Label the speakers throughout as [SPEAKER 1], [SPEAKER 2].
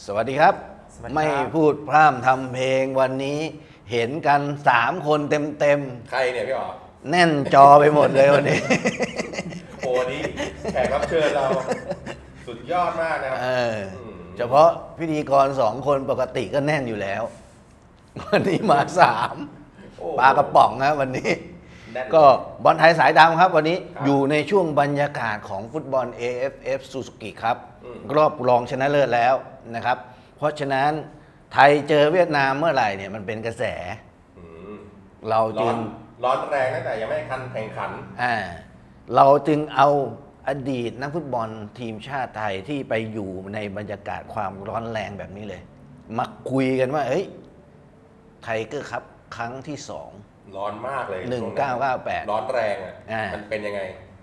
[SPEAKER 1] สวัสดีครับ
[SPEAKER 2] สวัสดีครับ
[SPEAKER 1] ไม่พูดพร่ำทำเพลงวันนี้เห็นกัน3 คนเต็ม
[SPEAKER 3] ใครเนี่ยพี่อ๋อ
[SPEAKER 1] ๆแน่นจอไปหมดเลยวันนี้
[SPEAKER 3] โอ้นี้แขกรับเชิญเราสุดยอดมากนะครับ
[SPEAKER 1] เฉพาะพิธีกร2 คนปกติก็แน่นอยู่แล้ว วันนี้มา
[SPEAKER 3] โอ้
[SPEAKER 1] 3ปลากระป๋องนะวันนี้
[SPEAKER 3] แน่น
[SPEAKER 1] ก็บอลไทยสายดำครับวันนี้
[SPEAKER 3] ครับ
[SPEAKER 1] อยู่ในช่วงบรรยากาศของฟุตบอล AFF Suzuki ครับ
[SPEAKER 3] อืม
[SPEAKER 1] รอบรองชนะเลิศแล้วนะครับ เพราะฉะนั้นไทยเจอเวียดนามเมื่อไหร่เนี่ยมันเป็นกระแส
[SPEAKER 3] อืม
[SPEAKER 1] เรา
[SPEAKER 3] ร้
[SPEAKER 1] จึ
[SPEAKER 3] อง นร้อนแรงตั้งแต่ยังไม่ทันแข่งขัน
[SPEAKER 1] เราจึงเอาอดีตนักฟุตบอลทีมชาติไทยที่ไปอยู่ในบรรยากาศความร้อนแรงแบบนี้เลย มาคุยกันว่าเฮ้ยไทเกอร์ครับครั้งที่
[SPEAKER 3] ร้อนมากเลย
[SPEAKER 1] 1998
[SPEAKER 3] ร้อนแรงอ่ะ
[SPEAKER 1] อ่ามั
[SPEAKER 3] มันเป็นยังไง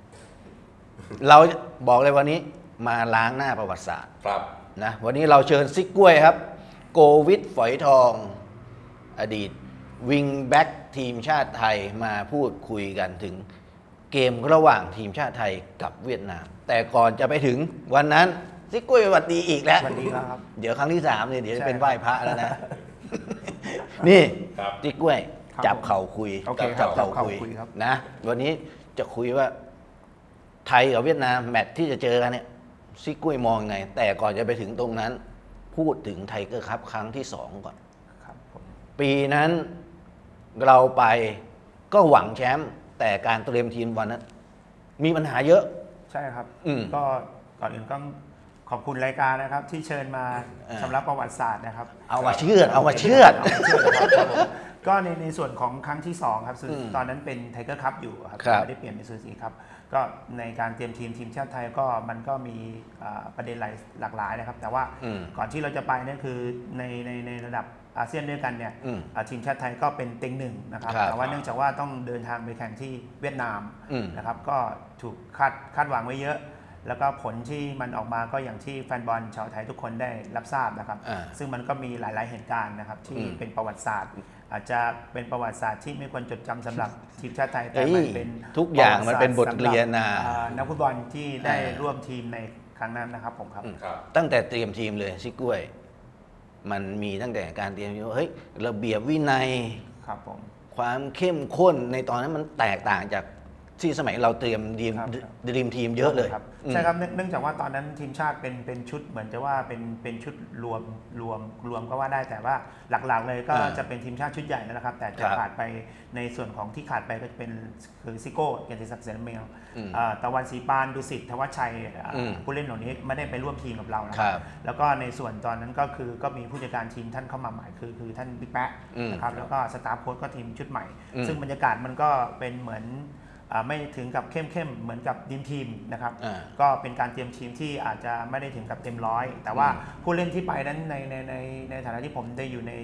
[SPEAKER 1] 2 เราบอกเลยวันนี้มาล้างหน้าประวัติศาสตร์
[SPEAKER 3] ครับ
[SPEAKER 1] นะวันนี้เราเชิญซิกกล้วยครับ โกวิทฝอยทอง อดีตวิงแบ็กทีมชาติไทยมาพูดคุยกันถึงเกมระหว่างทีมชาติไทยกับเวียดนาม แต่ก่อนจะไปถึงวันนั้นซิกกล้วยสวัสดีอีกแล้ว
[SPEAKER 2] สวัสดีครับ
[SPEAKER 1] เดี๋ยวครั้งที่3เนี่ยเดี๋ยวจะเป็น
[SPEAKER 2] ใช่
[SPEAKER 1] ไหว้พระแล้วนะ นี่
[SPEAKER 3] ครับ
[SPEAKER 1] ซิกกล้วย
[SPEAKER 2] ครับ
[SPEAKER 1] จับเข่าคุย
[SPEAKER 2] โอเคค
[SPEAKER 1] จั
[SPEAKER 2] รับบ
[SPEAKER 1] เข่า
[SPEAKER 2] จับเข่า
[SPEAKER 1] คุย
[SPEAKER 2] คุยครับ
[SPEAKER 1] นะ วันนี้จะคุยว่า ไทยกับเวียดนามแมตช์ที่จะเจอกันเนี่ยซิกกล้วยมองยังไง แต่ก่อนจะไปถึงตรงนั้น พูดถึงไทเกอร์ครับครั้งที่ 2 ก่อน
[SPEAKER 2] ครับผม
[SPEAKER 1] ปีนั้นเราไปก็หวังแชมป์แต่การเตรียมทีมวันนั้น มีปัญหาเยอะ
[SPEAKER 2] ใช่ครับ
[SPEAKER 1] อืม
[SPEAKER 2] ก็ก่อนอื่นต้องขอบคุณรายการนะครับ ที่เชิญมา
[SPEAKER 1] เออ
[SPEAKER 2] ชำระประวัติศาสตร์นะครับ
[SPEAKER 1] เอามาเชื่อดเอามาเชื่อด
[SPEAKER 2] ามาเชื่อดนะครับผมก็ในส่วนของครั้งที่ 2 ครับซึ่ง
[SPEAKER 1] อืม
[SPEAKER 2] ตอนนั้นเป็นไทเกอร์คัพอยู่ครับ
[SPEAKER 1] ครับ
[SPEAKER 2] ไม่ได้เปลี่ยนเป็นซูซีครับก็ในการเตรียมทีมชาติไทยก็มันก็มีประเด็นหลากหลายนะครับ แต่ว่า
[SPEAKER 1] อืม
[SPEAKER 2] ก่อนที่เราจะไปนั่นคือในระดับอาเซียนด้วยกันเนี่ย
[SPEAKER 1] อืม
[SPEAKER 2] ทีมชาติไทยก็เป็นเต็งหนึ่งนะครับ
[SPEAKER 1] ครับ
[SPEAKER 2] แต่ว่าเนื่องจากว่าต้องเดินทางไปแข่งที่เวียดนาม
[SPEAKER 1] อืม
[SPEAKER 2] นะครับก็ถูกคาดหวังไว้เยอะ แล้วก็ผลที่มันออกมาก็อย่างที่แฟนบอลชาวไทยทุกคนได้รับทราบนะครับ
[SPEAKER 1] อ่า
[SPEAKER 2] ซึ่งมันก็มีหลาย ๆ เหตุการณ์นะครับที่
[SPEAKER 1] อืม
[SPEAKER 2] เป็นประวัติศาสตร์ อาจจะเป็นประวัติศาสตร์ที่ไม่ควรจดจำสำหรับทีมชาติไทยแต่
[SPEAKER 1] เฮ้ย
[SPEAKER 2] มันเป็น
[SPEAKER 1] ทุกอย่างมันเป็นบทเรียนนะ
[SPEAKER 2] ประวัติศาสตร์สำหรับนักฟุตบอลที่ได้
[SPEAKER 1] อ่า
[SPEAKER 2] ร่วมทีมในครั้งนั้นนะครับผมครับ
[SPEAKER 3] ครับ
[SPEAKER 1] ตั้งแต่เตรียมทีมเลยซิกกล้วย มันมีตั้งแต่การเตรียมทีมว่าเฮ้ยระเบียบวินัย
[SPEAKER 2] ครับผม
[SPEAKER 1] ความเข้มข้นในตอนนั้นมันแตกต่างจากที่สมัยเราเตรียมทีม
[SPEAKER 2] ครับ
[SPEAKER 1] ดีมทีมเยอะเลย
[SPEAKER 2] ครับใช่ครับเนื่องจากว่าตอนนั้นทีมชาติเป็นชุดเหมือนจะว่าเป็นชุดรวมก็ว่าได้แต่ว่าหลักๆเลยก็
[SPEAKER 1] อ่า
[SPEAKER 2] จะเป็นทีมชาติชุดใหญ่นั่นแหละครับ แต่จะ
[SPEAKER 1] ครับ
[SPEAKER 2] ขาดไปในส่วนของที่ขาดไปก็จะเป็นคือซิโก้เกียรติศักดิ์เสนเมล
[SPEAKER 1] อืม
[SPEAKER 2] ตะวันศรีปานดุสิตธวัชชัย
[SPEAKER 1] อืม
[SPEAKER 2] ผู้เล่นเหล่านี้ไม่ได้ไปร่วมทีมกับเรานะ
[SPEAKER 1] ค
[SPEAKER 2] ค
[SPEAKER 1] รั
[SPEAKER 2] รับ บแล้วก็ในส่วนตอนนั้นก็คือก็มีผู้จัดการทีมท่านเข้ามาใหม่คือท่านบิ๊กแป๊ะ
[SPEAKER 1] อืม
[SPEAKER 2] นะครับแล้วก็สตาฟโค้ชก็ทีมชุดใหม่
[SPEAKER 1] อืม
[SPEAKER 2] ซึ่งบรรยากาศมันก็เป็นเหมือนไม่ถึงกับเข้มเหมือนกับทีมนะครับ
[SPEAKER 1] อ่า
[SPEAKER 2] ก็เป็นการเตรียมทีมที่อาจจะไม่ได้ถึงกับเต็มร้อย แต่ว่า
[SPEAKER 1] อืม
[SPEAKER 2] ผู้เล่นที่ไปนั้นในฐานะที่ผมได้อยู่ใน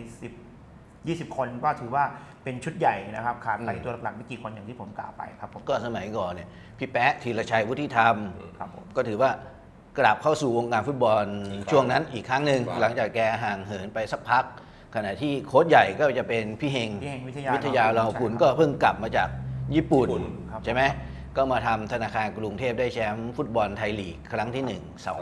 [SPEAKER 2] 10-20 คนก็ถือว่าเป็นชุดใหญ่นะครับ ขาดไปตัวหลักๆไม่กี่คนอย่างที่ผมกล่าวไปครับผม
[SPEAKER 1] ก็สมัยก่อนเนี่ยพี่แป๊ะธีรชัยวุฒิธรรม
[SPEAKER 2] ครับผม
[SPEAKER 1] ก็ถือว่ากลับเข้าสู่วงการฟุตบอล
[SPEAKER 3] อีกครั้ง
[SPEAKER 1] ช่วงนั้นอีกครั้งหนึ่ง
[SPEAKER 3] ครับ
[SPEAKER 1] หลังจากแกห่างเหินไปสักพัก ขณะที่โค้ชใหญ่ก็จะเป็นพี่เฮง
[SPEAKER 2] พี่เฮงวิทยา
[SPEAKER 1] วิทยาเราคุณ
[SPEAKER 2] ใช่
[SPEAKER 1] ก็เพิ่งกลับมาจากญี่ปุ่น
[SPEAKER 3] ญี่ปุ่น
[SPEAKER 2] ครับ
[SPEAKER 1] ใช่ไหมก็มาทำธนาคารกรุงเทพได้แชมป์ฟุตบอลไทยลีกครั้งที่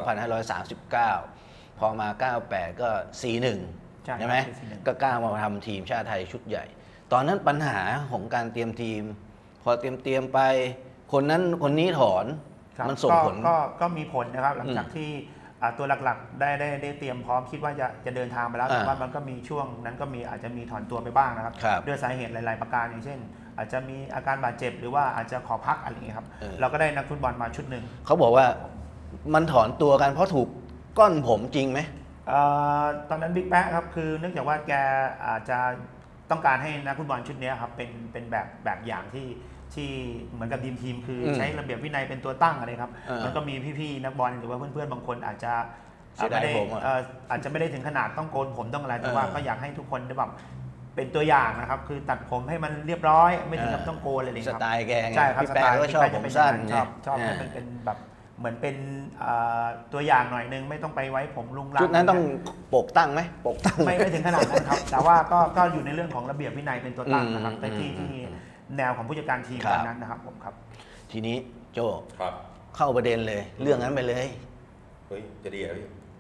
[SPEAKER 1] 1 2539 พอมา 98 ก็ 4-1 ใช่ไหม
[SPEAKER 2] ครับ4-1
[SPEAKER 1] ก็กล้ามาทำทีมชาติไทยชุดใหญ่ ตอนนั้นปัญหาของการเตรียมทีม พอเตรียมไป คนนั้นคนนี้ถอน
[SPEAKER 2] ครับ
[SPEAKER 1] มันส่งผล
[SPEAKER 2] ก็มีผลนะครับหลังจากที่ตัวหลักๆได้เตรียมพร้อมคิดว่าจะเดินทางไปแล้ว
[SPEAKER 1] อ่า
[SPEAKER 2] แต่ว่ามันก็มีช่วงนั้นก็มีอาจจะมีถอนตัวไปบ้างนะครับ
[SPEAKER 1] ครับ
[SPEAKER 2] ด้วยสาเหตุหลาย ๆ ประการอย่างเช่น อาจจะมีอาการบาดเจ็บหรือว่าอาจจะขอพักอะไรอย่างเงี้ยครับ
[SPEAKER 1] เออ
[SPEAKER 2] เราก็ได้นักฟุตบอลมาชุดหนึ่ง
[SPEAKER 1] เขาบอกว่ามันถอนตัวกันเพราะถูกก้อนผมจริงไหม
[SPEAKER 2] ตอนนั้นบิ๊กแป๊ะครับคือเนื่องจากว่าแกอาจจะต้องการให้นักฟุตบอลชุดนี้ครับเป็นแบบอย่างที่เหมือนกับทีมคือใช้ระเบียบวินัยเป็นตัวตั้งอะไรครับ มันก็มีพี่ๆนักบอลหรือว่าเพื่อนๆบางคนอาจจะ
[SPEAKER 1] เสียดาย
[SPEAKER 2] ไม่ได้
[SPEAKER 1] ผมอะ
[SPEAKER 2] อาจจะไม่ได้ถึงขนาดต้องโกนผมต้องอะไรแต่ว่า
[SPEAKER 1] เออ
[SPEAKER 2] ก็อยากให้ทุกคนได้แบบเป็นตัวอย่างนะครับคือตัดผมให้มันเรียบร้อย ไม่ถึงกับต้องโกนอะไรอย่าง
[SPEAKER 1] ส
[SPEAKER 2] เงี้ยครับ
[SPEAKER 1] ไตล์แกไง
[SPEAKER 2] ใช่ครับ
[SPEAKER 1] พี่แป๊ะก็ชอบผมสั้น
[SPEAKER 2] ชอบ
[SPEAKER 1] ไง
[SPEAKER 2] ให้มันเป็นแบบเหมือนเป็นตัวอย่างหน่อยนึงไม่ต้องไปไว้ผมลุงลัง
[SPEAKER 1] ชุดนั้นต้องปกตั้งไหมปกตั้ง
[SPEAKER 2] ไม่ถึงขนาดนั้นครับ แต่ว่าก็อยู่ในเรื่องของระเบียบวินัยเป็นตัวตั้งนะครับ
[SPEAKER 1] อืม
[SPEAKER 2] แต่ที่
[SPEAKER 1] อืม
[SPEAKER 2] แนวของผู้จัดการทีม
[SPEAKER 1] ครับ
[SPEAKER 2] ตอนนั้นนะครับผมครับ
[SPEAKER 1] ทีนี้โจ
[SPEAKER 3] ครับ
[SPEAKER 1] เข้าประเด็นเลย เรื่องนั้นไปเลย
[SPEAKER 3] เฮ้ยจะดีเหรอพี่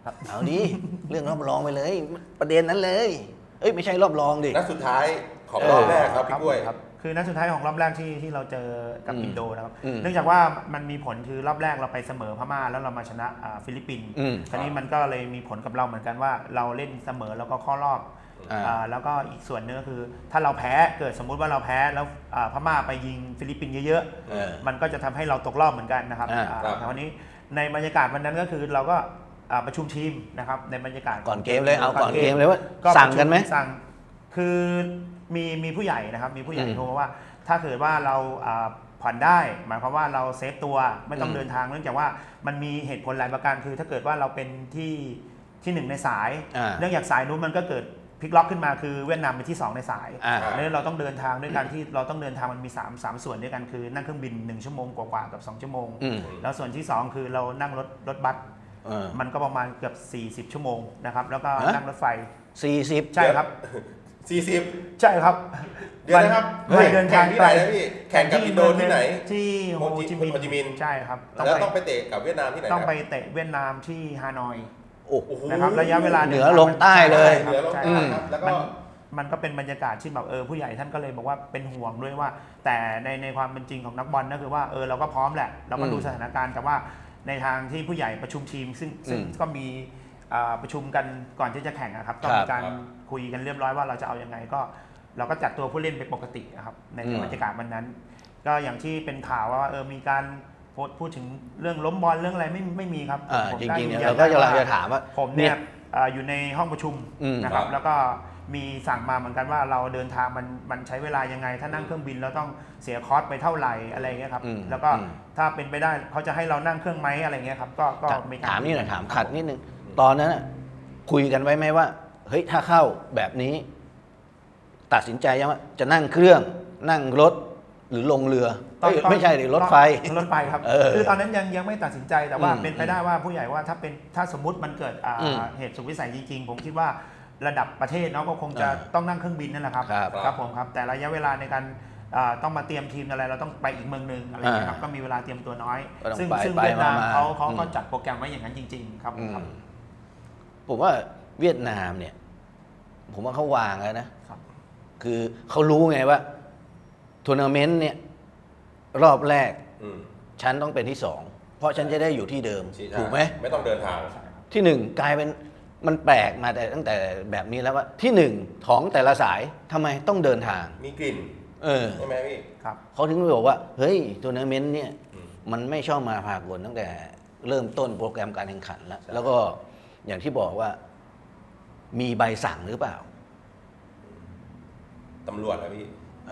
[SPEAKER 1] เอาดิ เรื่องรอบรองไปเลย ประเด็นนั้นเลย เอ้ยไม่ใช่รอบรองดิ
[SPEAKER 3] นัดสุดท้ายของรอบแรกครับพี่กล้วย
[SPEAKER 2] ครับคือนัดสุดท้ายของรอบแรกที่เราเจอกับอินโดนะครับ
[SPEAKER 1] อืม
[SPEAKER 2] เนื่องจากว่ามันมีผลคือรอบแรกเราไปเสมอพม่าแล้วเรามาชนะฟิลิปปินส์
[SPEAKER 1] อืม
[SPEAKER 2] คราวนี้มันก็เลยมีผลกับเราเหมือนกันว่าเราเล่นเสมอแล้วก็เข้ารอบ แล้วก็อีกส่วนนึงก็คือถ้าเราแพ้เกิดสมมุติว่าเราแพ้แล้วพม่าไปยิงฟิลิปปินส์เยอะ
[SPEAKER 1] เออ
[SPEAKER 2] ๆมันก็จะทำให้เราตกรอบเหมือนกันนะครับ
[SPEAKER 3] ครับ
[SPEAKER 2] แต่วันนี้ในบรรยากาศวันนั้นก็คือเราก็ประชุมทีมนะครับในบรรยากาศ
[SPEAKER 1] ก่อนเกมเลยเอาก่อนเกมเลยว่าสั่งกันไหม
[SPEAKER 2] สั่งคือมีผู้ใหญ่นะครับมีผู้ใหญ่
[SPEAKER 1] อืม
[SPEAKER 2] โทรมาว่า ถ้าเกิดว่าเราผ่อนได้หมายความว่าเราเซฟตัวไม่ต้อง
[SPEAKER 1] อืม
[SPEAKER 2] เดินทางเนื่องจากว่ามันมีเหตุผลหลายประการคือถ้าเกิดว่าเราเป็นที่หนึ่งในสาย เนื่องจากสายนู้นมันก็เกิดพลิกล็อกขึ้นมาคือเวียดนามเป็นที่ 2 ในสาย แล้วเราต้องเดินทางด้วยกันที่เราต้องเดินทางมันมี3ส่วนด้วยกันคือนั่งเครื่องบิน1ชั่วโมงกว่าๆกับ2ชั่วโมง
[SPEAKER 1] อืม
[SPEAKER 2] แล้วส่วนที่ 2 คือเรานั่งรถบัส
[SPEAKER 1] เออ
[SPEAKER 2] มันก็ประมาณเกือบ40 ชั่วโมงนะครับแล้วก็
[SPEAKER 1] ฮะ
[SPEAKER 2] นั่งรถไฟ
[SPEAKER 1] 40
[SPEAKER 2] ใช่ครับ
[SPEAKER 3] 40
[SPEAKER 2] ใช่ครับ
[SPEAKER 3] เดี๋ยวนะครับ
[SPEAKER 2] มันเดินทาง
[SPEAKER 3] แข่งที่ไหนนะพี่แข่งกับอินโดที่ไหน
[SPEAKER 2] ที่โฮจิมิน
[SPEAKER 3] โฮจิมินห์
[SPEAKER 2] ใช่ครับ
[SPEAKER 3] แล้วต้องไปเตะกับเวียดนามที่ไหน
[SPEAKER 2] ต้อง
[SPEAKER 3] นะ
[SPEAKER 2] ไปเตะเวียดนามที่ฮานอย
[SPEAKER 1] โอ้โห
[SPEAKER 2] นะครับระยะเวลา
[SPEAKER 1] เหนือลงใต้เลย
[SPEAKER 2] ใช่
[SPEAKER 3] เหนือลง
[SPEAKER 2] ใช่
[SPEAKER 3] ใต้
[SPEAKER 2] ค
[SPEAKER 3] ค
[SPEAKER 2] รั
[SPEAKER 3] รั
[SPEAKER 2] บบ
[SPEAKER 3] แล้วก็
[SPEAKER 2] มันก็เป็นบรรยากาศที่แบบผู้ใหญ่ท่านก็เลยบอกว่าเป็นห่วงด้วยว่า แต่ในความเป็นจริงของนักบอลก็คือว่าเราก็พร้อมแหละเราก็ดูสถานการณ์แต่ว่าในทางที่ผู้ใหญ่ประชุมทีมซึ่งก็มีประชุมกันก่อนที่จะแข่งนะครับก็มีการคุยกันเรียบร้อยว่าเราจะเอายังไงก็เราก็จัดตัวผู้เล่นไปปกตินะครับในบรรยากาศวันนั้น ก็อย่างที่เป็นข่าวว่ามีการพูดถึงเรื่องล้มบอลเรื่องอะไรไม่มีครับผม
[SPEAKER 1] จ
[SPEAKER 2] ได้
[SPEAKER 1] ริงๆ
[SPEAKER 2] ยื
[SPEAKER 1] เนี่ย
[SPEAKER 2] นยัน
[SPEAKER 1] เราก็กำลัง
[SPEAKER 2] ได้
[SPEAKER 1] จะถามว่า
[SPEAKER 2] ผมเนี่ยอยู่ในห้องประชุม
[SPEAKER 1] อืม
[SPEAKER 2] นะครับ
[SPEAKER 3] ครับ
[SPEAKER 2] แล้วก็มีสั่งมาเหมือนกันว่าเราเดินทางมันใช้เวลายังไง ถ้านั่งเครื่องบินเราต้องเสียคอสไปเท่าไหร่อะไรเงี้ยครับ
[SPEAKER 1] อืม
[SPEAKER 2] แล้วก็
[SPEAKER 1] อืม
[SPEAKER 2] ถ้าเป็นไปได้เขาจะให้เรานั่งเครื่องไหมอะไรเงี้ยครับก็มีการ
[SPEAKER 1] ถามนี่หน่อยถามขัดนิดนึง ตอนนั้นน่ะคุยกันไว้ไหมว่า เฮ้ยถ้าเข้าแบบนี้ ตัดสินใจยังว่าจะนั่งเครื่องนั่งรถหรือลงเรือเอ้ยไม่ใช่หรือรถไฟ
[SPEAKER 2] รถไฟครับ คือตอนนั้นยังไม่ตัดสินใจแต่ว่า
[SPEAKER 1] อืม
[SPEAKER 2] เป็นไปได้ว่าผู้ใหญ่ว่าถ้าสมมุติมันเกิด
[SPEAKER 1] อืม
[SPEAKER 2] เหตุสุดวิสัยจริงๆ ผมคิดว่าระดับประเทศเนาะก็คงจะต้องนั่งเครื่องบินนั่นแหละครับ
[SPEAKER 1] ครับ
[SPEAKER 2] ผมครับแต่ระยะเวลาในการต้องมาเตรียมทีมอะไรเราต้องไปอีกเมืองหนึ่งอะไรเงี้ยครับก็มีเวลาเตรียมตัวน้อย
[SPEAKER 1] ก็ต้อง
[SPEAKER 2] ซึ่ง
[SPEAKER 1] ไป
[SPEAKER 2] ซึ่ง
[SPEAKER 1] ไป
[SPEAKER 2] เวียดนาม
[SPEAKER 1] มา
[SPEAKER 2] เขา
[SPEAKER 1] อืม
[SPEAKER 2] ก็จัดโปรแกรมไว้อย่างนั้นจริง ๆ ครับ
[SPEAKER 1] อืม
[SPEAKER 2] ครับ
[SPEAKER 1] ผมว่าเวียดนามเนี่ย ผมว่าเขาวางแล้วนะ คือเขารู้ไงว่าทัวร์นาเมนต์เนี่ย รอบแรก
[SPEAKER 3] อืม
[SPEAKER 1] ฉันต้องเป็นที่สองเพราะฉันจะได้อยู่ที่เดิม ถูกไหม
[SPEAKER 3] ไม่ต้องเดินทาง
[SPEAKER 1] ที่หนึ่งกลายเป็นมันแปลกมาแต่ตั้งแต่แบบนี้แล้วว่าที่หนึ่งของแต่ละสายทำไมต้องเดินทาง
[SPEAKER 3] มีกลิ่น ใช่ไหมพี่
[SPEAKER 2] ครับ
[SPEAKER 1] เขาถึงบอกว่า เฮ้ยทัวร์นาเมนต์เนี่ย
[SPEAKER 3] อืม
[SPEAKER 1] มันไม่ชอบมาพากลตั้งแต่เริ่มต้นโปรแกรมการแข่งขันแล้ว แล้วก็อย่างที่บอกว่ามีใบสั่งหรือเปล่า
[SPEAKER 3] ตำรวจนะพี่
[SPEAKER 1] อะ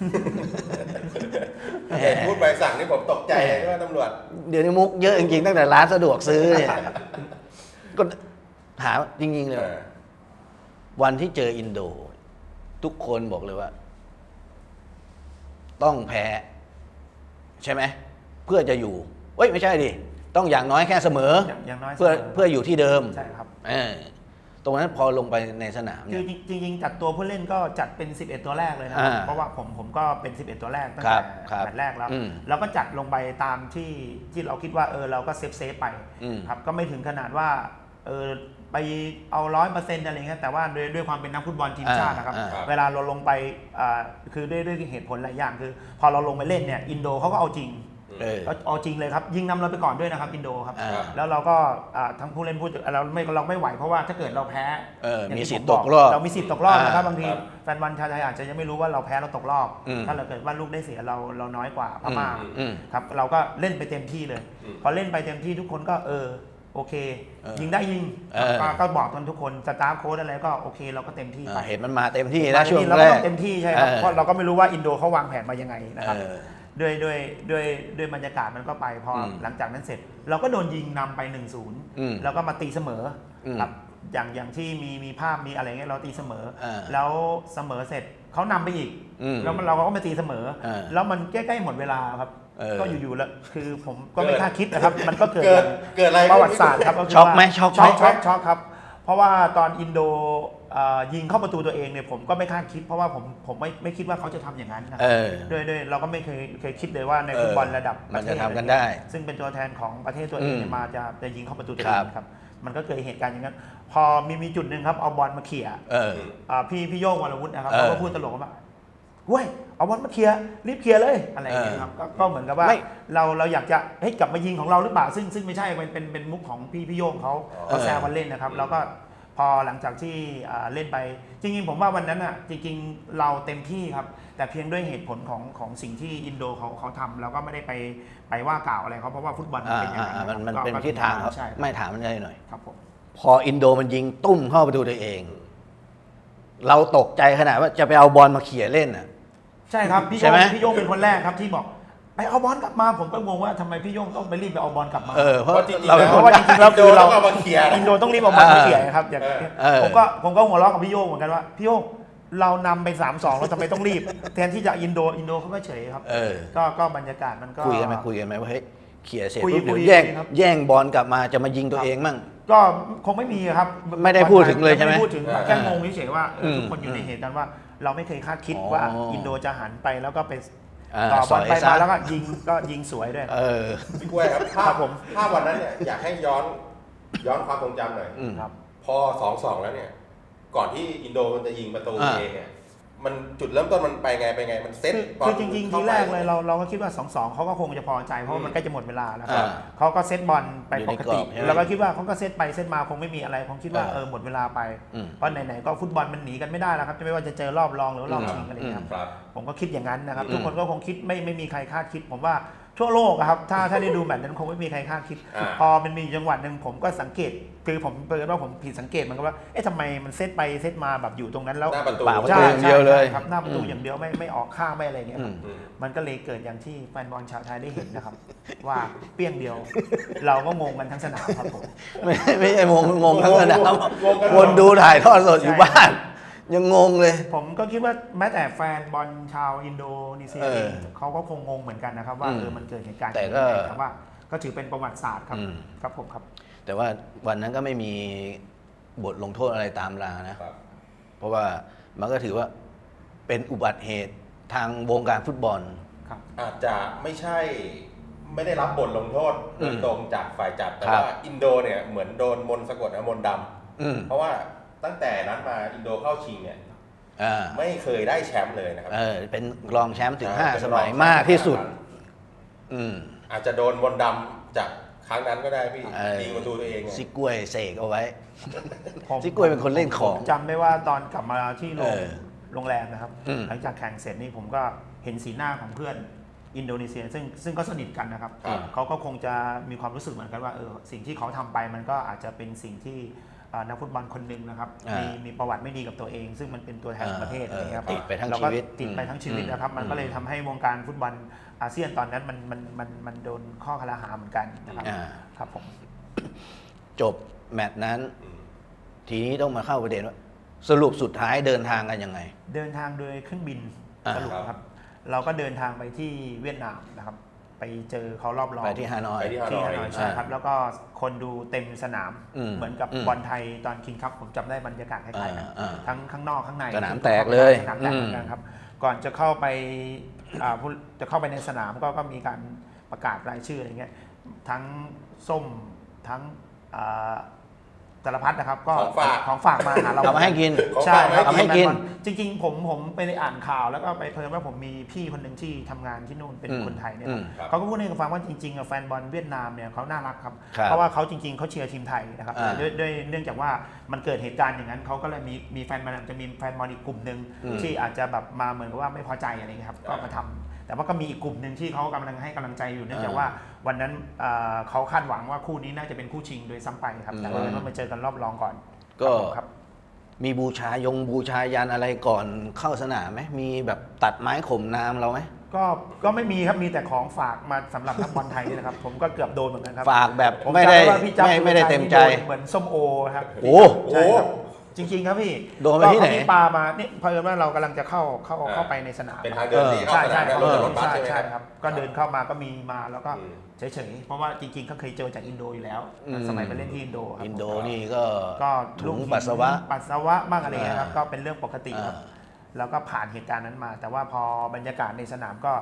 [SPEAKER 1] แหม
[SPEAKER 3] เห็นพูดใบสั่งนี่ผมตกใจเลยว่าตำรวจ
[SPEAKER 1] เดี๋ยวนี้มุกเยอะจริงๆตั้งแต่ร้านสะดวกซื้อเนี่ยก็ถามจริงๆเลย วันที่เจออินโด ทุกคนบอกเลยว่า ต้องแพ้ ใช่ไหมเพื่อจะอยู่เอ้ยไม่ใช่ดิต้องอย่างน้อยแค่เสมอ
[SPEAKER 2] อย่างน้อย
[SPEAKER 1] เพื่อ
[SPEAKER 2] เสมอ
[SPEAKER 1] เพื่ออยู่ที่เดิม
[SPEAKER 2] ใช่ครับ
[SPEAKER 1] ตรงนั้นพอลงไปในสนาม
[SPEAKER 2] คื
[SPEAKER 1] เนี่
[SPEAKER 2] อย จริงๆจัดตัวผู้เล่นก็จัดเป็น 11 ตัวแรกเลยนะ
[SPEAKER 1] อ่า
[SPEAKER 2] เพราะว่าผมก็เป็น 11 ตัวแรกตั้ง
[SPEAKER 1] ครั
[SPEAKER 2] แต่
[SPEAKER 1] บครับ
[SPEAKER 2] แมตช์แรกแล้ว
[SPEAKER 1] อืม
[SPEAKER 2] เราก็จัดลงไปตามที่เราคิดว่าเราก็เซฟไป
[SPEAKER 1] อืม
[SPEAKER 2] ครับก็ไม่ถึงขนาดว่าไปเอา 100% อะไรเงี้ยแต่ว่าด้วยความเป็นนักฟุตบอลทีมชาตินะครับ
[SPEAKER 3] อ่า
[SPEAKER 2] เวลาเราลงไปคือด้วยเหตุผลหลายอย่างคือ พอเราลงไปเล่นเนี่ยอินโดเขาก็เอาจริง ก็เอาจริงเลยครับยิงนำเราไปก่อนด้วยนะครับอินโดครับ
[SPEAKER 1] อ่า
[SPEAKER 2] แล้วเราก็ทั้งผู้เล่นเราไม่ไหวเพราะว่าถ้าเกิดเราแพ้
[SPEAKER 1] มี
[SPEAKER 2] อย่างที่
[SPEAKER 1] สิทธิ์
[SPEAKER 2] ผมบ
[SPEAKER 1] ตกรอบ
[SPEAKER 2] เรามีสิทธิ์ตกรอบนะครับบางที
[SPEAKER 3] ครับ
[SPEAKER 2] แฟนบอลชาวไทยอาจจะยังไม่รู้ว่าเราแพ้เราตกรอบ
[SPEAKER 1] อืม
[SPEAKER 2] ถ้าเราเกิดว่าลูกได้เสียเราน้อยกว่าพม่า
[SPEAKER 1] อืม
[SPEAKER 2] ครับเราก็เล่นไปเต็มที่เลย
[SPEAKER 3] อืม
[SPEAKER 2] พอเล่นไปเต็มที่ทุกคนก็โอเค ยิงได้ยิง ก็บอกกันทุกคนสตาฟโค้ชอะไรก็โอเคเราก็เต็มที่ไป
[SPEAKER 1] เห็นมันมาเต็มที่นะช่วง
[SPEAKER 2] เรา
[SPEAKER 1] แร
[SPEAKER 2] ก็
[SPEAKER 1] ก
[SPEAKER 2] ต้องเต็มที่ใช่ครับ
[SPEAKER 1] เออ
[SPEAKER 2] เพราะเราก็ไม่รู้ว่าอินโดเขาวางแผนมายังไงนะครับ
[SPEAKER 1] เออ
[SPEAKER 2] ด้วยบรรยากาศมันก็ไปพออ
[SPEAKER 1] ม
[SPEAKER 2] หลังจากนั้นเสร็จ เราก็โดนยิงนำไป
[SPEAKER 1] อืม
[SPEAKER 2] 1-0 แล้วก็มาตีเสมออ
[SPEAKER 1] ม
[SPEAKER 2] ครับอย่างที่มีภาพมีอะไรเงี้ยเราตีเสมอ
[SPEAKER 1] อ่า
[SPEAKER 2] แล้วเสมอเสร็จเขานำไปอีก
[SPEAKER 1] อืม
[SPEAKER 2] แล้วเราก็มาตีเสมอ
[SPEAKER 1] อ่า
[SPEAKER 2] แล้วมันใกล้ๆหมดเวลาครับ ก็อยู่ๆแล้วคือผมก็ไม่
[SPEAKER 3] เกิด
[SPEAKER 2] คาดคิดนะครับ มันก็เกิด
[SPEAKER 3] เกิดอะไร
[SPEAKER 2] ประวัติศาสตร์ครับก็คื
[SPEAKER 1] ช็อกไหม
[SPEAKER 2] ว่า
[SPEAKER 1] ช็อกไหม
[SPEAKER 2] ช็อกครับ เพราะว่าตอนอินโดยิงเข้าประตูตัวเองเนี่ยผมก็ไม่คาดคิด เพราะว่าผมไม่คิดว่าเขาจะทำอย่างนั้นนะค
[SPEAKER 1] เอ
[SPEAKER 2] รับ
[SPEAKER 1] อ
[SPEAKER 2] ด้วยเราก็ไม่เคยคิดเลยว่าในฟุตบอลระดับป
[SPEAKER 1] มัน
[SPEAKER 2] ระเท
[SPEAKER 1] จะ
[SPEAKER 2] ศ
[SPEAKER 1] ทำกันได้
[SPEAKER 2] ซึ่งเป็นตัวแทนของประเทศตัวเองเนี่ย
[SPEAKER 1] อืม
[SPEAKER 2] จะยิงเข้าประตูตัวเองครับมันก็เกิดเหตุการณ์อย่างนั้นพอมีจุดหนึ่งครับเอาบอลมาเขี่ย พี่โย่งวรวุฒินะครับเขาก็พูดตลกว่าเว้ยเอาบอลมาเคลียร์รีบเคลียร์เลยอะไรอย่างเงี้ยครับก็เหมือนกับว่าเราอยากจะให้กลับมายิงของเราหรือเปล่าซึ่งไม่ใช่เป็นมุกของพี่โย่งเขาแซวกันเล่นนะครับแล้วก็พอหลังจากที่เล่นไปจริงๆผมว่าวันนั้นอ่ะจริงๆเราเต็มที่ครับแต่เพียงด้วยเหตุผลของสิ่งที่อินโดเขาทำแล้วก็ไม่ได้ไปว่ากล่าวอะไรเขาเพราะว่าฟุตบอลมันเป็นอย่างนั้น
[SPEAKER 1] มันเป็นทิศทางครับไม่ถามมันได้หน่อย
[SPEAKER 2] ครับผม
[SPEAKER 1] พออินโดมันยิงตุ้มเข้าประตูตัวเอง เราตกใจขนาดว่าจะไปเอาบอลมาเขี่ยเล่นอ่ะ
[SPEAKER 2] ใช่ครับพี่
[SPEAKER 1] ใช่ไหม
[SPEAKER 2] พี่โย่งเป็นคนแรกครับที่บอกไปเอาบอลกลับมาผมก็งงว่าทำไมพี่โย่งต้องไปรีบไปเอาบอลกลับมา
[SPEAKER 1] เพราะ
[SPEAKER 3] จริงๆ
[SPEAKER 1] เราเป็น
[SPEAKER 2] เพ
[SPEAKER 1] คน
[SPEAKER 2] ราะว่าจริงๆแล้วคือเรา
[SPEAKER 3] เอามาเคลียร์
[SPEAKER 2] อินโดต้องรีบเอาบอลมาเขี่ยครับอย่าง
[SPEAKER 1] เออ
[SPEAKER 2] ผมก็หัวเราะกับพี่โย่งเหมือนกันว่าพี่โย่งเรานำไป 3-2เราทำไมต้องรีบ แทนที่จะอินโดเขาก็เฉยครับก็บรรยากาศมันก็
[SPEAKER 1] คุยกันไหมว่าเฮ้ยเขี่ยเสร็จ
[SPEAKER 2] คุย
[SPEAKER 1] ปุ๊บเดี๋ยว
[SPEAKER 2] คุย
[SPEAKER 1] แย่ง
[SPEAKER 2] ครับ
[SPEAKER 1] แย่งบอลกลับมาจะมายิงตัวเองมั่ง
[SPEAKER 2] ก็คงไม่มีครับ
[SPEAKER 1] ไม่ได้พูดถึงเลยใช่ไหม
[SPEAKER 2] ไม่พูดถึงแค่งงเฉยๆว่าทุกคนอยู่ในเหตุการณ์ว่าเราไม่เคยคาดคิดว่าอินโดจะหันไปแล้วก็ไปต่อบอลไปมาแล้วก็ยิงสวยด้วย
[SPEAKER 3] พี่กล้วยครับภาพวันนั้นเนี่ยอยากให้ย้อนความทรงจำหน่อย
[SPEAKER 2] ครับ
[SPEAKER 3] พอ 2-2 แล้วเนี่ยก่อนที่อินโดมันจะยิงประตูเองเนี่ยมันจุดเริ่มต้นมันไปไงมันเซ็ต
[SPEAKER 2] คือจริงๆทีแรกเลยเราก็คิดว่า 2-2เขาก็คงจะพอใจเพราะมันใกล้จะหมดเวลาแล้วครับเขาก็เซตบอลไปปกติเราก็คิดว่าเขาก็เซตไปเซตมาคงไม่มีอะไรคงคิดว่าหมดเวลาไปเพราะไหนๆก็ฟุตบอลมันหนีกันไม่ได้แล้วครับจะไม่ว่าจะเจอรอบรองหรือรอบชิงอะไรอย่างเงี้ยครับผมก็คิดอย่างนั้นนะครับทุกคนก็คงคิดไม่มีใครคาดคิดผมว่าทั่วโลกครับถ้าได้ดูแบบนั้นคงไม่มีใครคาดคิดพอมันมีจังหวะหนึ่งผมก็สังเกตคือผมเปิดว่าผมผิดสังเกตมันก็ว่าทำไมมันเซตไปเซตมาแบบอยู่ตรงนั้นแล้ว
[SPEAKER 3] หน้าประตู
[SPEAKER 1] ใช่อย่างเดียวเลย
[SPEAKER 2] ครับหน้าประตูอย่างเดียวไม่ออกข้างไม่อะไรเงี้ยครับมันก็เลยเกิดอย่างที่แฟนบอลชาวไทยได้เห็นนะครับ ว่าเปี้ยงเดียว เราก็งงกันทั้งสนามครับผม
[SPEAKER 1] ไม่ใช่งงทั้งสนามคนดูถ่ายทอดสดอยู่บ้านยังงงเลย
[SPEAKER 2] ผมก็คิดว่าแม้แต่แฟนบอลชาวอินโดนีเซียเองเขาก็คงงงเหมือนกันนะครับว่ามันเกิดเหตุการณ์
[SPEAKER 1] แต่ก็
[SPEAKER 2] แต่ว่าก็ถือเป็นประวัติศาสตร์ครับครับผมครับ
[SPEAKER 1] แต่ว่าวันนั้นก็ไม่มีบทลงโทษอะไรตามมานะ เพราะว่ามันก็ถือว่าเป็นอุบัติเหตุทางวงการฟุตบอล
[SPEAKER 2] ครับ
[SPEAKER 3] อาจจะไม่ได้รับบทลงโทษโดยตรงจากฝ่ายจัดแต่
[SPEAKER 1] ครับ
[SPEAKER 3] ว่าอินโดเนี่ยเหมือนโดนมนต์สะกดมนต์ดำเพราะว่าตั้งแต่นั้นมาอินโดเข้าชิงเนี่ยไม่เคยได้แชมป์เลยนะครับ
[SPEAKER 1] เป็นรองแชมป์ถึง5 สมัยมากที่สุด
[SPEAKER 3] อาจจะโดนมนต์ดำจากครั้งนั้นก็ได้พี่ยิงประตูตัวเอง
[SPEAKER 1] ซิกล้วยเสกเอาไว้ซิกล้วยเป็นคนเล่นของ
[SPEAKER 2] จำได้ว่าตอนกลับมาที่โรงแรมนะครับหลังจากแข่งเสร็จนี่ผมก็เห็นสีหน้าของเพื่อนอินโดนีเซียซึ่งก็สนิทกันนะครับเขาก็คงจะมีความรู้สึกเหมือนกันว่าสิ่งที่เขาทำไปมันก็อาจจะเป็นสิ่งที่นักฟุตบอลคนหนึ่งนะครับมีประวัติไม่ดีกับตัวเอง ซึ่งมันเป็นตัวแทนประเทศอะไรเงี้ยครับ
[SPEAKER 1] ติดไปทั้ง
[SPEAKER 2] แล้ว
[SPEAKER 1] ชี
[SPEAKER 2] ก็
[SPEAKER 1] วิต
[SPEAKER 2] ติดไปทั้งชีวิตนะครับมันก็เลยทำให้วงการฟุตบอลอาเซียนตอนนั้นมันโดนข้อคารหาเหมือนกันนะครับครับผม
[SPEAKER 1] จบแมตช์นั้น ทีนี้ต้องมาเข้าประเด็นว่าสรุปสุดท้ายเดินทางกันยังไง
[SPEAKER 2] เดินทางโดยเครื่องบินสรุปครับเราก็เดินทางไปที่เวียดนามนะครับไปเจอเขารอบรอง
[SPEAKER 1] ไปที่ฮานอย
[SPEAKER 2] ใช่ครับแล้วก็คนดูเต็มสนามเหมือนกับบอลไทยตอนคิงส์คัพผมจำได้บรรยากาศคล้ายๆกันทั้งข้างนอกข้างใน
[SPEAKER 1] สนามแตกเลย
[SPEAKER 2] สนามแตกเหมือนกันครับก่อนจะเข้าไปจะเข้าไปในสนามก็มีการประกาศรายชื่ออะไรเงี้ยทั้งส้มทั้งสารพัดนะครับก็ของฝากมาหาเรา
[SPEAKER 1] เอามาให้กิน
[SPEAKER 2] ใช่ครับ
[SPEAKER 1] เอาให้กิน
[SPEAKER 2] จริงๆผมไปอ่านข่าวแล้วก็ไปเพิ่มว่าผมมีพี่คนหนึ่งที่ทำงานที่นู่นเป็นคนไทยเนี่ยเขาก็พูดให้ฟังว่าจริงๆแฟนบอลเวียดนามเนี่ยเขาน่ารักครับเพราะว่าเขาจริงๆเขาเชียร์ทีมไทยนะครับด้วยเนื่องจากว่ามันเกิดเหตุการณ์อย่างนั้นเขาก็เลยมีแฟนบอลจะมีแฟนบอลอีกกลุ่มหนึ่งที่อาจจะแบบมาเหมือนกับว่าไม่พอใจอะไรเงี้ยครับก็มาทำแต่ว่าก็มีอีกกลุ่มหนึ่งที่เขากำลังให้กำลังใจอยู่เนื่องจากว่าวันนั้นเขาคาดหวังว่าคู่นี้น่าจะเป็นคู่ชิงโดยซ้ำไปครับแต่ว่าต้องมาเจอกันรอบรองก่อน
[SPEAKER 1] ก็มีบูชายันอะไรก่อนเข้าสนามไหมมีแบบตัดไม้ข่มน้ำเราไหม
[SPEAKER 2] ก็ไม่มีครับมีแต่ของฝากมาสำหรับนักบอลไทยนี่นะครับผมก็เกือบโดนเหมือนกันครับ
[SPEAKER 1] ฝากแบบไม่ได้เต็มใจ
[SPEAKER 2] เหมือนส้มโอครับ
[SPEAKER 1] โอ้
[SPEAKER 2] จริงๆครับพี่
[SPEAKER 1] โดนไปที่ไหน
[SPEAKER 2] ปามาเนี่ยเพราะว่าเรากำลังจะเข้าไปในสนาม
[SPEAKER 3] เป็นทางเดินที่เข้าสนามรถบัสใช่ไหมครับ
[SPEAKER 2] ก็เดินเข้ามาก็มีมาแล้วก็เฉยๆเพราะว่าจริงๆเขาเคยเจอจากอินโดอยู่แล้วสมัยไปเล่นที่อินโดครับ
[SPEAKER 1] อินโดนี่ก็ถุงปัสสาวะ
[SPEAKER 2] บ้างอะไรเงี้ยครับก็เป็นเรื่องปกติครับแล้วก็ผ่านเหตุการณ์นั้นมา แต่ว่าพอบรรยากาศในสนามก็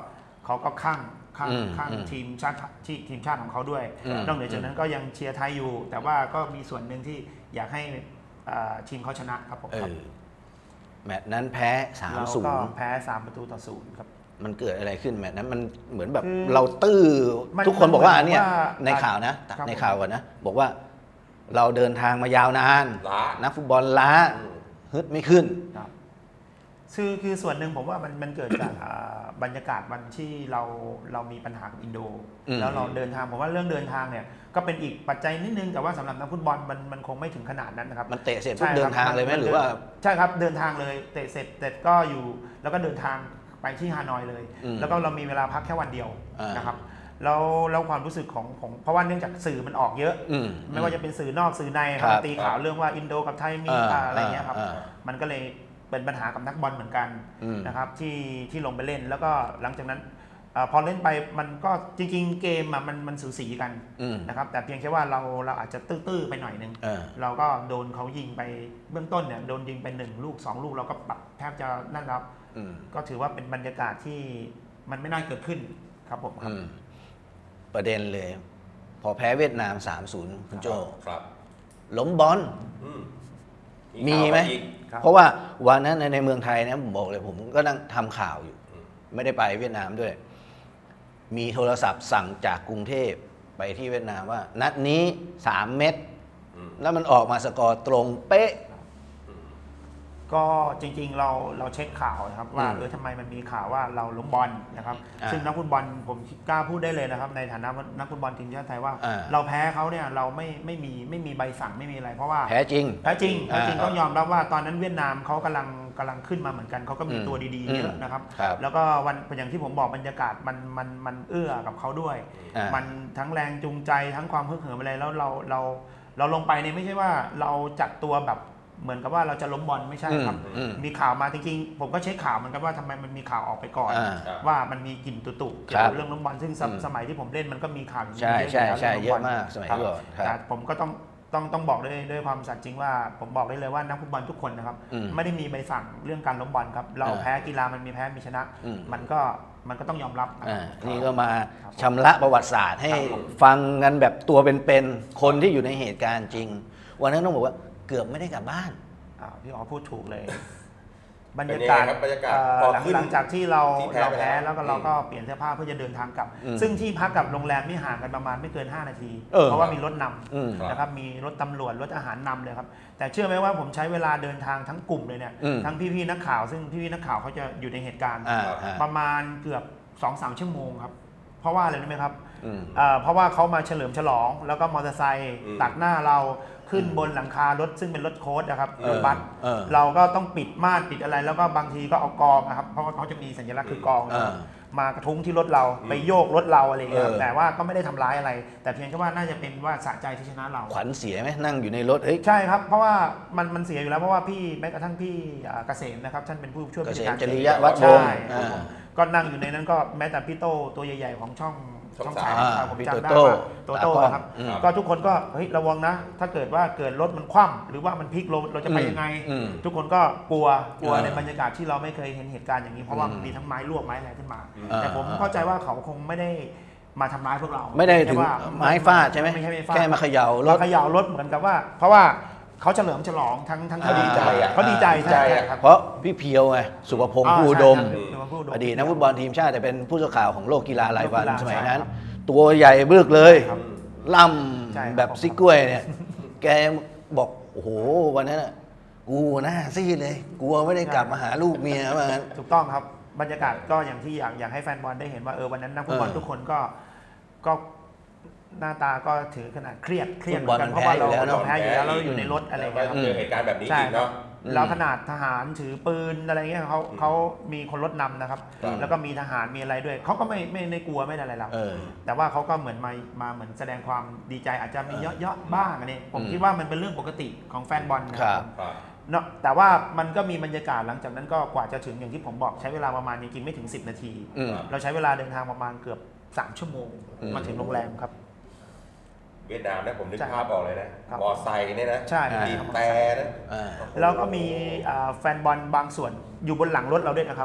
[SPEAKER 2] เขาก็ข้าง
[SPEAKER 1] อืม
[SPEAKER 2] ทีมชาติของเขาด้วย นอกเหนือจากนั้นก็ยังเชียร์ไทยอยู่ แต่ว่าก็มีส่วนหนึ่งที่อยากให้ทีมเขาชนะครับผมครับ
[SPEAKER 1] แมตช์นั้นแพ้
[SPEAKER 2] เราก็แพ้3-0ครับ
[SPEAKER 1] มันเกิดอะไรขึ้นแมตช์นั้นมันเหมือนแบบ
[SPEAKER 2] คือ
[SPEAKER 1] เราตื้อ
[SPEAKER 2] มัน
[SPEAKER 1] ทุกคนบอกว่า
[SPEAKER 2] มันเหมือน
[SPEAKER 1] เนี่ย
[SPEAKER 2] ว่า
[SPEAKER 1] ในข่าวนะ
[SPEAKER 2] ครับ
[SPEAKER 1] ในข่าวก่อนนะ บอกว่าเราเดินทางมายาวนาน
[SPEAKER 3] ล้า
[SPEAKER 1] นักฟุตบอลล้าฮึดไม่ขึ้น
[SPEAKER 2] ครับคือส่วนหนึ่งผมว่ามันเกิดจากบรรยากาศวันที่เรามีปัญหากับอินโด แล้วเราเดินทางผมว่าเรื่องเดินทางเนี่ยก็เป็นอีกปัจจัยนิดนึงแต่ว่าสำหรับนักฟุตบอลมันคงไม่ถึงขนาดนั้นนะครับ
[SPEAKER 1] มันเตะเสร็จปุ๊บ
[SPEAKER 2] ใช่
[SPEAKER 1] เดิ
[SPEAKER 2] ครั
[SPEAKER 1] นทางเลยไหม
[SPEAKER 2] น
[SPEAKER 1] หรือว่า
[SPEAKER 2] ใช่ครับเดินทางเลยเตะเสร็จก็อยู่แล้วก็เดินทางไปที่ฮานอยเลย แล้วก็เรามีเวลาพักแค่วันเดียวนะครับแล้วความรู้สึกของเพราะว่าเนื่องจากสื่อมันออกเยอะ ไม่ว่าจะเป็นสื่อนอกสื่อในครับตีข่าวเรื่องว่าอินโดกับไทยมีอะไรเงี้ยครับมันก็เลยเป็นปัญหากับนักบอลเหมือนกันนะครับที่ลงไปเล่นแล้วก็หลังจากนั้นพอเล่นไปมันก็จริงๆเกมมันสูสีกันนะครับแต่เพียงแค่ว่าเราอาจจะตื้อๆไปหน่อยนึงเราก็โดนเขายิงไปเบื้องต้นเนี่ยโดนยิงไป1 ลูก 2 ลูกเราก็แทบจะนั่นแล้วก็ถือว่าเป็นบรรยากาศที่มันไม่น่าเกิดขึ้นครับผมครับ
[SPEAKER 1] ประเด็นเลย พอแพ้เวียดนาม 3-0 คุณโจ
[SPEAKER 3] ครับ
[SPEAKER 1] ล้มบอล มีไหม
[SPEAKER 3] ข่าวอีก
[SPEAKER 1] เพราะว่าวันนั้นในเมืองไทยนะผมบอกเลยผมก็นั่งทำข่าวอยู่ ไม่ได้ไปเวียดนามด้วย มีโทรศัพท์สั่งจากกรุงเทพไปที่เวียดนามว่า นัดนี้ 3 เม็ดแล้วมันออกมาสกอร์ตรงเป๊ะ
[SPEAKER 2] ก็จริงๆเราเช็คข่าวนะครับว่าทำไมมันมีข่าวว่าเราล้มบอลนะครับซึ่งนักฟุตบอลผมกล้าพูดได้เลยนะครับในฐานะนักฟุตบอลทีมชาติไทยว่าเราแพ้เขาเนี่ยเราไม่มีใบสั่งไม่มีอะไรเพราะว่า
[SPEAKER 1] แพ้จริง
[SPEAKER 2] ต้องยอมรับว่าตอนนั้นเวียดนามเขากำลังขึ้นมาเหมือนกันเขาก็มีตัวดีๆเยอะนะครับแล้วก็วันอย่างที่ผมบอกบรรยากาศมันเอื้อกับเขาด้วยมันทั้งแรงจูงใจทั้งความฮึกเหิมอะไรแล้วเราลงไปเนี่ยไม่ใช่ว่าเราจัดตัวแบบเหมือนกับว่าเราจะล้มบอลไม่ใช่ครับมีข่าวมาจริงๆผมก็เช็คข่าวเหมือนกันว่าทำไมมันมีข่าวออกไปก่อนว่ามันมีกลิ่นตุๆเกี่ยวกับเรื่องล้มบอลซึ่งสมัยที่ผมเล่นมันก็มีข่าวอย่างนี้เยอะ
[SPEAKER 1] ใช่เยอะมากสมัยก่อน
[SPEAKER 2] แต่ผมก็ต้องบอกด้วยความสัตย์จริงว่าผมบอกได้เลยว่านักฟุตบอลทุกคนนะครับไม่ได้มีใบสั่งเรื่องการล้มบอลครับเราแพ้กีฬามันมีแพ้มีชนะมันก็ต้องยอมรับ
[SPEAKER 1] นี่ก็มาชำระประวัติศาสตร์ให้ฟังกันแบบตัวเป็นๆคนที่อยู่ในเหตุการณ์จริงวันนั้นต้องบอกว่าเกือบไม่ได้กลับบ้าน
[SPEAKER 2] พี่อ๋อพูดถูกเลย บรรยากาศหลังจากที่เราแพ้แล้วก็เราก็เปลี่ยนเสื้อผ้าเพื่อจะเดินทางกลับซึ่งที่พักกับโรงแรมนี่ห่างกันประมาณไม่เกิน5 นาทีเพราะว่ามีรถนำนะครับมีรถตำรวจรถอาหารนำเลยครับแต่เชื่อไหมว่าผมใช้เวลาเดินทางทั้งกลุ่มเลยเนี่ยทั้งพี่ๆนักข่าวซึ่งพี่ๆนักข่าวเขาจะอยู่ในเหตุการณ์ประมาณเกือบ 2-3 ชั่วโมงครับเพราะว่าอะไรรู้ไหมครับเพราะว่าเขามาเฉลิมฉลองแล้วก็มอเตอร์ไซค์ตัดหน้าเราขึ้นบนหลังคารถซึ่งเป็นรถโค้ชนะครับรถบัสเราก็ต้องปิดม่านปิดอะไรแล้วก็บางทีก็เอากองนะครับเพราะว่าเขาจะมีสัญลักษณ์คือกองมากระทุ้งที่รถเราไปโยกรถเราอะไรอย่างเงี้ยแต่ว่าก็ไม่ได้ทำร้ายอะไรแต่เพียงแค่ว่าน่าจะเป็นว่าสะใจที่ชนะเรา
[SPEAKER 1] ขวัญเสียไหมนั่งอยู่ในรถ
[SPEAKER 2] ใช่ครับเพราะว่ามันเสียอยู่แล้วเพราะว่าพี่แม้กระทั่งพี่เกษมนะครับท่านเป็นผู้ช่วยผู้จัดการ
[SPEAKER 1] จริยวัฒน์วงศ์
[SPEAKER 2] ก็นั่งอยู่ในนั้นก็แม้แต่พี่โตตัวใหญ่ๆของช่องสายผมจำได้ว่าโตครับก็ทุกคนก็เฮ้ยระวังนะถ้าเกิดว่าเกิดรถมันคว่ำหรือว่ามันพลิกลงเราจะไปยังไงทุกคนก็กลัวในบรรยากาศที่เราไม่เคยเห็นเหตุการณ์อย่างนี้เพราะว่ามีทั้งไม้ลวกไม้อะไรขึ้นมาแต่ผมเข้าใจว่าเขาคงไม่ได้มาทำร้ายพวกเรา
[SPEAKER 1] ไม่ได้ถึงไม้ฟาดใช่ไหมแค่มาเขย่าร
[SPEAKER 2] ถเหมือนกับว่าเพราะว่าเขาเฉลิมฉลองทั้งเขาดีใจใช่ครับ
[SPEAKER 1] เพราะพี่เพียวไงสุภพงษ์ผู้อุดมอดีตนักฟุตบอลทีมชาติแต่เป็นผู้สื่อข่าวของโลกกีฬารายวันสมัยนั้นตัวใหญ่บึกเลยล่ำแบบซิกล้วยเนี่ยแกบอกโอ้โหวันนั้นกูหน้าซีดเลยกลัวไม่ได้กลับมาหาลูกเมียว่างั้น
[SPEAKER 2] ถูกต้องครับบรรยากาศก็อย่างที่อยากให้แฟนบอลได้เห็นว่าวันนั้นนักฟุตบอลทุกคนก็หน้าตาก็ถือขนาดเครียดเหมือนกันเพราะว่าเราแพ้อยู่แล้วเราอยู่ในรถอะไรเงี้ย
[SPEAKER 3] เจอเหตุการณ์แบบนี้อีกเนาะ
[SPEAKER 2] แล้วขนาดทหารถือปืนอะไรเงี้ยเขามีคนรถนำนะครับแล้วก็มีทหารมีอะไรด้วยเขาก็ไม่กลัวไม่อะไรหรอกแต่ว่าเขาก็เหมือนมาเหมือนแสดงความดีใจอาจจะมีเยอะๆบ้างอันนี้ผมคิดว่ามันเป็นเรื่องปกติของแฟนบอลนะครับเนาะแต่ว่ามันก็มีบรรยากาศหลังจากนั้นก็กว่าจะถึงอย่างที่ผมบอกใช้เวลาประมาณจริงๆไม่ถึง10 นาทีเราใช้เวลาเดินทางประมาณเกือบ3 ชั่วโมงมาถึงโรงแรมครับ
[SPEAKER 3] เวียดนามนะผมนึกภาพออกเลยนะมอไซค์เนี่ยนะบีบแต่นะ
[SPEAKER 2] แล้วก็มีแฟนบอลบางส่วนอยู่บนหลังรถเราด้วยนะครับ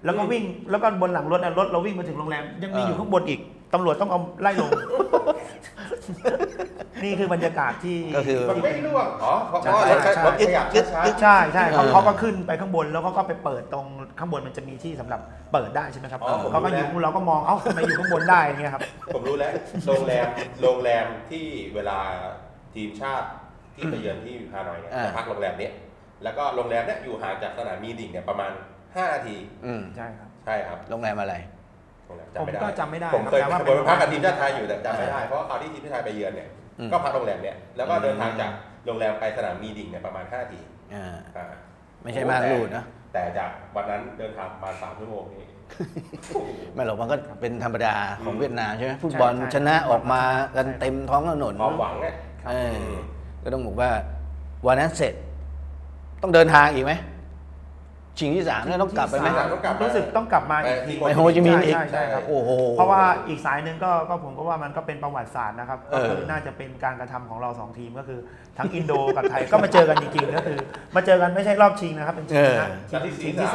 [SPEAKER 2] แล้วก็วิ่งแล้วก็บนหลังรถรถเราวิ่งมาถึงโรงแรมยังมีอยู่ข้างบนอีกตำรวจต้องเอาไล่ลง นี่คือบรรยากาศที่
[SPEAKER 1] ก็คือ
[SPEAKER 3] มันไม่ร่วงอ๋อเพราะ
[SPEAKER 2] ใช่
[SPEAKER 3] ว่ารถ
[SPEAKER 2] ใช่
[SPEAKER 3] รถขยับช้า
[SPEAKER 2] ใช่ใช่เขาก็ขึ้นไปข้างบนแล้วเขาก็ไปเปิดตรงข้างบนมันจะมีที่สำหรับเปิดได้ใช่ไหมครับเขาก็อยู่เราก็มองเอ้าทำไมอยู่ข้างบนได้เงี้ยครับ
[SPEAKER 3] ๆผมรู้แล้วโรงแรมที่เวลาทีมชาติที่ไปเยือนที่ฮานอยเนี่ยจะพักโรงแรมเนี้ยแล้วก็โรงแรมเนี้ยอยู่ห่างจากสนามมีดิ่งเนี่ยประมาณ5 นาที
[SPEAKER 2] ใช่ครับ
[SPEAKER 3] ใช่ครับ
[SPEAKER 1] โรงแรมอะไร
[SPEAKER 2] ผมก็จำไม่ได้
[SPEAKER 3] ผมเคย
[SPEAKER 2] แต่ว่า
[SPEAKER 3] ผมไปพักกับทีมชาติไทยอยู่แต่จำไม่ได้เพราะว่าคราวที่ทีมชาติไทยไปเยือนเนี่ยก็พักโรงแรมเนี่ยแล้วก็เดินทางจากโรงแรมไปสนามมีดิ่งเนี่ยประมาณ5 นาที
[SPEAKER 1] ไม่ใช่ม่านรูดนะ
[SPEAKER 3] แต่จากวันนั้นเดินทางประมาณ3 ชั่วโมงนี่
[SPEAKER 1] ไม่หรอกมันก็เป็นธรรมดาของเวียดนามใช่ไหมฟุตบอลชนะออกมากันเต็มท้องถนน
[SPEAKER 3] ความหวังเนี่ย
[SPEAKER 1] ก็ต้องบอกว่าวันนั้นเสร็จ ต้องเดินทางอีกไหมชิงที่ 3เนี่ยต้องกลับไปไหม
[SPEAKER 2] รู้สึกต้องกลับมาอีกที
[SPEAKER 1] ไปโฮจิมินห์อีก
[SPEAKER 2] ใช่ครับ
[SPEAKER 1] โอ้โห
[SPEAKER 2] เพราะว่าอีกสายหนึ่งก็ผมก็ว่ามันก็เป็นประวัติศาสตร์นะครับก็คือน่าจะเป็นการกระทำของเรา2 ทีมก็คือทั้งอินโดกับไทยก็มาเจอกันจริงๆก็คือมาเจอกันไม่ใช่รอบชิงนะครับเป็นชิงนะชิงที่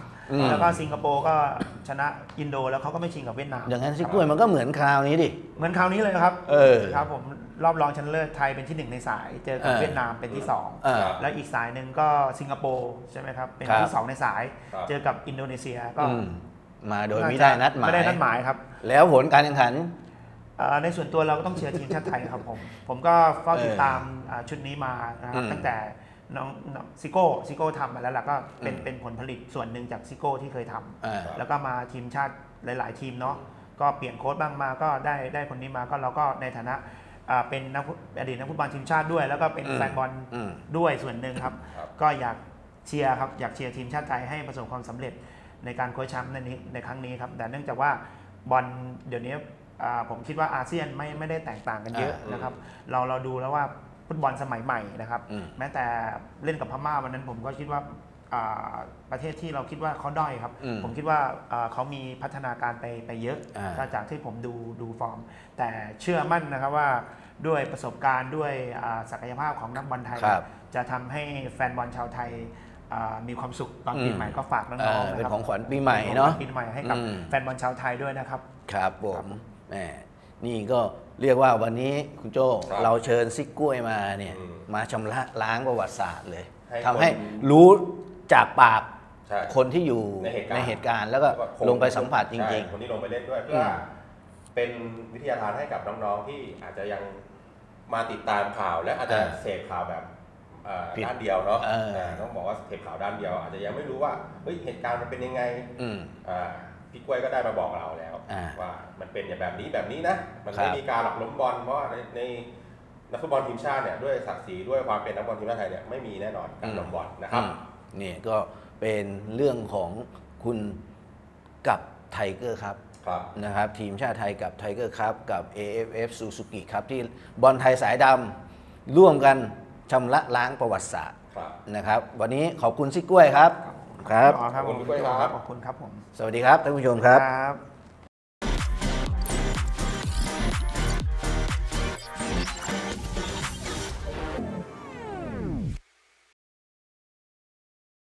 [SPEAKER 2] 3แล้วก็สิงคโปร์ก็ชนะอินโดแล้วเขาก็ไม่ชิงกับเวียดนาม
[SPEAKER 1] อย่างนั้นซิกล้วยมันก็เหมือนคราวนี้ดิ
[SPEAKER 2] เหมือนคราวนี้เลยครับ
[SPEAKER 1] อ
[SPEAKER 2] ครับผมรอบรองชนะเลิศไทยเป็นที่ 1 ในสาย เจอกับเวียดนามเป็นที่ 2 แล้วอีกสายหนึ่งก็สิงคโปร์ใช่ไหมครับเป็นที่ 2 ในสาย เจอกับอินโดนีเซียก็
[SPEAKER 1] มาโดยไม่ได้นัดหมาย
[SPEAKER 2] ไม่ได้นัดหมายครับ
[SPEAKER 1] แล้วผลการแข่งขัน
[SPEAKER 2] ในส่วนตัวเราก็ต้องเชียร์ทีมชาติไทยครับผมก็เฝ้าติดตามชุดนี้มานะครับตั้งแต่น้องซิโก้ทำมาแล้วล่ะก็เป็นผลผลิตส่วนหนึ่งจากซิโก้ที่เคยทำแล้วก็มาทีมชาติหลาย ๆ ทีมเนาะก็เปลี่ยนโค้ชบ้างมาก็ได้คนนี้มาก็เราก็ในฐานะเป็นอดีตนักฟุตบอลทีมชาติด้วย แล้วก็เป็นแฟนบอลด้วยส่วนหนึ่งครับก็อยากเชียร์ครับอยากเชียร์ทีมชาติไทยให้ประสบความสำเร็จในการโค้ชแชมป์ในครั้งนี้ครับแต่เนื่องจากว่าบอลเดี๋ยวนี้ผมคิดว่าอาเซียนไม่ได้แตกต่างกันเยอะนะครับเราดูแล้วว่าฟุตบอลสมัยใหม่นะครับแม้แต่เล่นกับพม่าวันนั้นผมก็คิดว่าประเทศที่เราคิดว่าเขาด้อยครับผมคิดว่าเขามีพัฒนาการไปเยอะจากที่ผมดูฟอร์มแต่เชื่อมั่นนะครับว่าด้วยประสบการณ์ด้วยศักยภาพของนักบอลไทยจะทำให้แฟนบอลชาวไทยมีความสุขตอนปีใหม่ก็ฝากน้องๆนะครับ
[SPEAKER 1] เป็นของขวัญปีใหม่เนาะ
[SPEAKER 2] ปีใหม่ให้กับแฟนบอลชาวไทยด้วยนะครับ
[SPEAKER 1] ครับผมแหมนี่ก็เรียกว่าวันนี้คุณโจ้เราเชิญซิกกล้วยมาเนี่ยมาชำระล้างประวัติศาสตร์เลยทำให้รู้จากปากคนที่อยู่ในเหตุการณ์แล้วก็ลงไปสัมผัสจริง
[SPEAKER 3] ๆคนที่ลงไปเล่นด้วยเพื่อเป็นวิทยาทานให้กับน้องๆที่อาจจะยังมาติดตามข่าวและอาจจะเสพข่าวแบบด้านเดียวเนาะต้องบอกว่าเสพข่าวด้านเดียวอาจจะยังไม่รู้ว่าเฮ้ยเหตุการณ์มันเป็นยังไงพี่กล้วยก็ได้มาบอกเราแล้วว่ามันเป็นอย่างแบบนี้นะมันไม่มีการหลอกล้มบอลเพราะว่าในนักฟุตบอลทีมชาติเนี่ยด้วยศักดิ์ศรีด้วยความเป็นนักบอลทีมชาติไทยเนี่ยไม่มีแน่นอนการล้มบอลนะครับ
[SPEAKER 1] นี่ก็เป็นเรื่องของคุณกับไทเกอร์ครับนะครับทีมชาติไทยกับไทเกอร์ครับกับ AFF Suzuki ครับที่บอลไทยสายดำร่วมกันชำระล้างประวัติศาสตร์นะครับวันนี้ขอบคุณซิกกล้วยครับ
[SPEAKER 2] ครับขอบคุณพี่กล้วยครับขอบคุณครับผม
[SPEAKER 1] สวัสดีครับท่านผู้ชมครับ